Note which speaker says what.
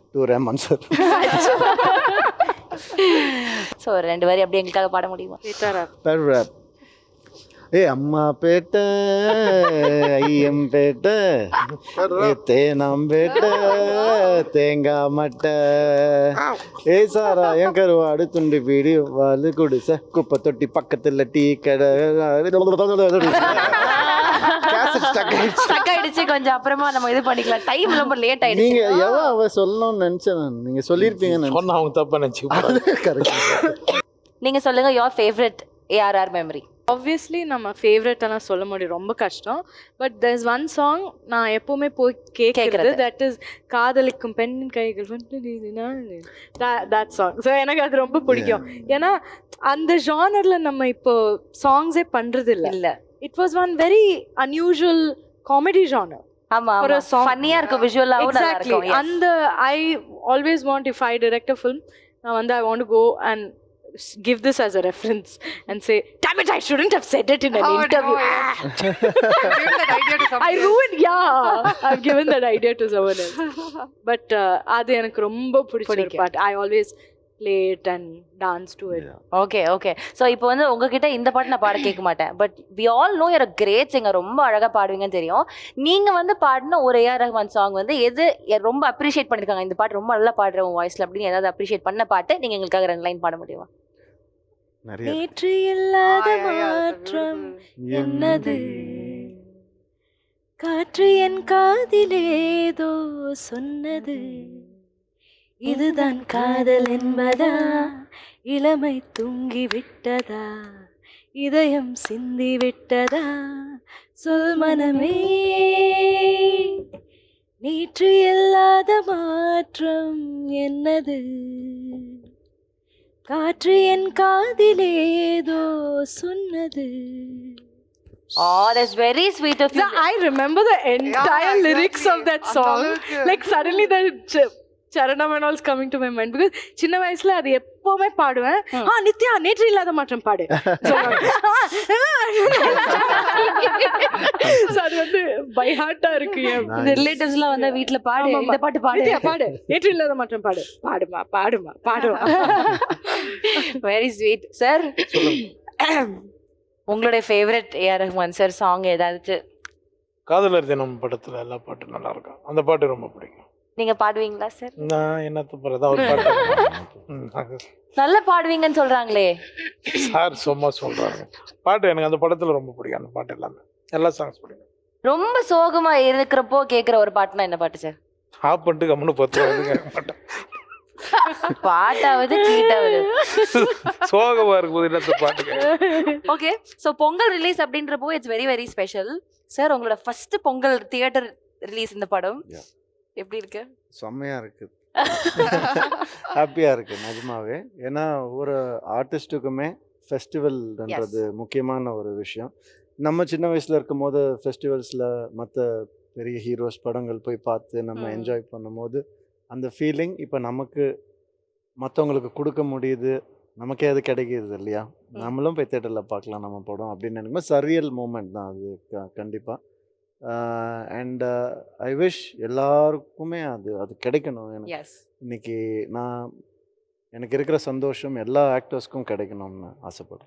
Speaker 1: To Rahman sir.
Speaker 2: So 2 வரி அப்படியே எங்களுக்காக பாட முடியுமா?
Speaker 1: பேர் ரேப். அம்மா பேட்டை ஐயம்பேட்டை தேனாம்பேட்டை தேங்காய் மட்டை சாராயம் கருவாடு துண்டு பீடி வாலு குடிசை குப்பை தொட்டி பக்கத்தில் டீ கடை.
Speaker 2: கொஞ்சம் அப்புறமா நம்ம இது பண்ணிக்கலாம். டைம் ரொம்ப லேட் ஆயிடுச்சு.
Speaker 1: நீங்க எவ்வளோ அவ சொல்லணும்னு நினைச்சேன். நீங்க சொல்லியிருப்பீங்கன்னு
Speaker 3: அவங்க தப்பா நினைச்சு.
Speaker 2: நீங்க சொல்லுங்க your favorite ARR memory.
Speaker 4: Obviously நம்ம ஃபேவரட்டெல்லாம் சொல்ல முடியும், ரொம்ப கஷ்டம். பட் there's ஒன் சாங் நான் எப்போவுமே போய் கேட்குறது, தட் இஸ் காதலிக்கும் பெண்ணின் கைகள் தட் சாங். ஸோ எனக்கு அது ரொம்ப பிடிக்கும். ஏன்னா அந்த ஜானரில் நம்ம இப்போ சாங்ஸே பண்ணுறது இல்லை. It was one very unusual comedy genre.
Speaker 2: ஆமா, ஒரு ஃபன்னியா இருக்கு, விஷுவலாவும் நல்லா இருக்கும்.
Speaker 4: அந்த I always want, if I direct a film, நான் வந்து I want to go and give this as a reference and say, damn it, I shouldn't have said it in an interview. I ruined, I've given that idea to someone else. But அது எனக்கு ரொம்ப பிடிச்ச பாட்டு. I always play it and dance to it.
Speaker 2: Okay. So இப்போ வந்து உங்ககிட்ட இந்த பாட்டு நான் பாட கேட்க மாட்டேன். But we all know you're a great singer. ரொம்ப அழகா பாடுவீங்கன்னு தெரியும். நீங்க வந்து பாடின ஒரு AR ரஹ்மான் சாங் வந்து எது ரொம்ப அப்ரிஷியேட் பண்ணிருக்காங்க, இந்த பாட்டு ரொம்ப நல்லா பாடுற உன் வாய்ஸ்ல அப்படின்னு ஏதாவது அப்ரிஷியேட் பண்ண பாட்டு நீங்க எங்களுக்காக 2 லைன் பாட முடியுமா?
Speaker 4: நேற்று இல்லாத மாற்றம் என்னது, காற்று என் காதிலேதோ சொன்னது, இதுதான் காதல் என்பதா, இளமை தூங்கி விட்டதா, இதயம் சிந்தி விட்டதா, சொல் மனமே. நேற்று இல்லாத மாற்றம் என்னது, காற்று என் காதிலேதோ சொன்னது.
Speaker 2: Oh, that's very sweet of you.
Speaker 4: I remember the entire lyrics of that song. Like suddenly the Charanam and all is coming to my mind, because சின்ன வயசுல அது எப்பவுமே பாடுவேன். நித்யா நேற்று இல்லாத மாற்றம் பாடு. அது வந்து பை ஹார்ட்டா இருக்கு.
Speaker 2: இந்த ரிலேட்டிவ்ஸ்லாம் வந்து வீட்ல பாடு, இந்த பாட்டு பாடு,
Speaker 4: பாடு, நேற்று இல்லாத மாற்றம் பாடு, பாடுமா.
Speaker 2: Very sweet. சார், உங்களுடைய favourite AR Rahman sir song ஏதாவது?
Speaker 3: காதலர் தினம் படத்துல எல்லா பாட்டும் நல்லா இருக்கும், அந்த பாட்டு ரொம்ப பிடிக்கும்.
Speaker 2: நீங்க பாடுவீங்களா சார்?
Speaker 3: நான் என்ன தப்புறதா ஒரு பாட்டு
Speaker 2: நல்லா பாடுவீங்கன்னு சொல்றாங்களே
Speaker 3: சார், சும்மா சொல்றாங்க. பாட்டு எனக்கு அந்த படத்துல ரொம்ப பிடிக்கும். அந்த பாட்டு எல்லாமே, எல்லா சாங்ஸ் பிடிக்கும்.
Speaker 2: ரொம்ப சோகமா இருக்கிறப்போ கேக்குற ஒரு பாட்டுனா என்ன பாட்டு சார்?
Speaker 3: ஆஃப் பண்ணிட்டு கம்முன்னு பார்த்து மாட்டேன்.
Speaker 2: பாட்டாவது கீட்டாவது
Speaker 3: சோகமா இருக்கும்போது என்ன பாட்டு.
Speaker 2: ஓகே, ஸோ பொங்கல் ரிலீஸ் அப்படின்றப்போ it's very very special. Sir, உங்களோட ஃபர்ஸ்ட் பொங்கல் தியேட்டர் ரிலீஸ் இந்த படம் எப்படி இருக்கு?
Speaker 1: செம்மையா இருக்கு, ஹாப்பியா இருக்கு நிஜமாவே. ஏன்னா ஒரு ஆர்டிஸ்ட்டுக்குமே ஃபெஸ்டிவல்ன்றது முக்கியமான ஒரு விஷயம். நம்ம சின்ன வயசுல இருக்கும் போது ஃபெஸ்டிவல்ஸில் மற்ற பெரிய ஹீரோஸ் படங்கள் போய் பார்த்து நம்ம என்ஜாய் பண்ணும்போது அந்த ஃபீலிங் இப்போ நமக்கு மற்றவங்களுக்கு கொடுக்க முடியுது, நமக்கே அது கிடைக்கிது இல்லையா? நம்மளும் போய் தேட்டரில் பார்க்கலாம் நம்ம படம் அப்படின்னு நினைக்கும்போது சரியல் மூமெண்ட் தான் அது கண்டிப்பாக. அண்ட் ஐ விஷ் எல்லாருக்குமே அது கிடைக்கணும். எனக்கு இன்னைக்கு எனக்கு இருக்கிற சந்தோஷம் எல்லா ஆக்டர்ஸ்க்கும் கிடைக்கணும்னு ஆசைப்படுறேன்.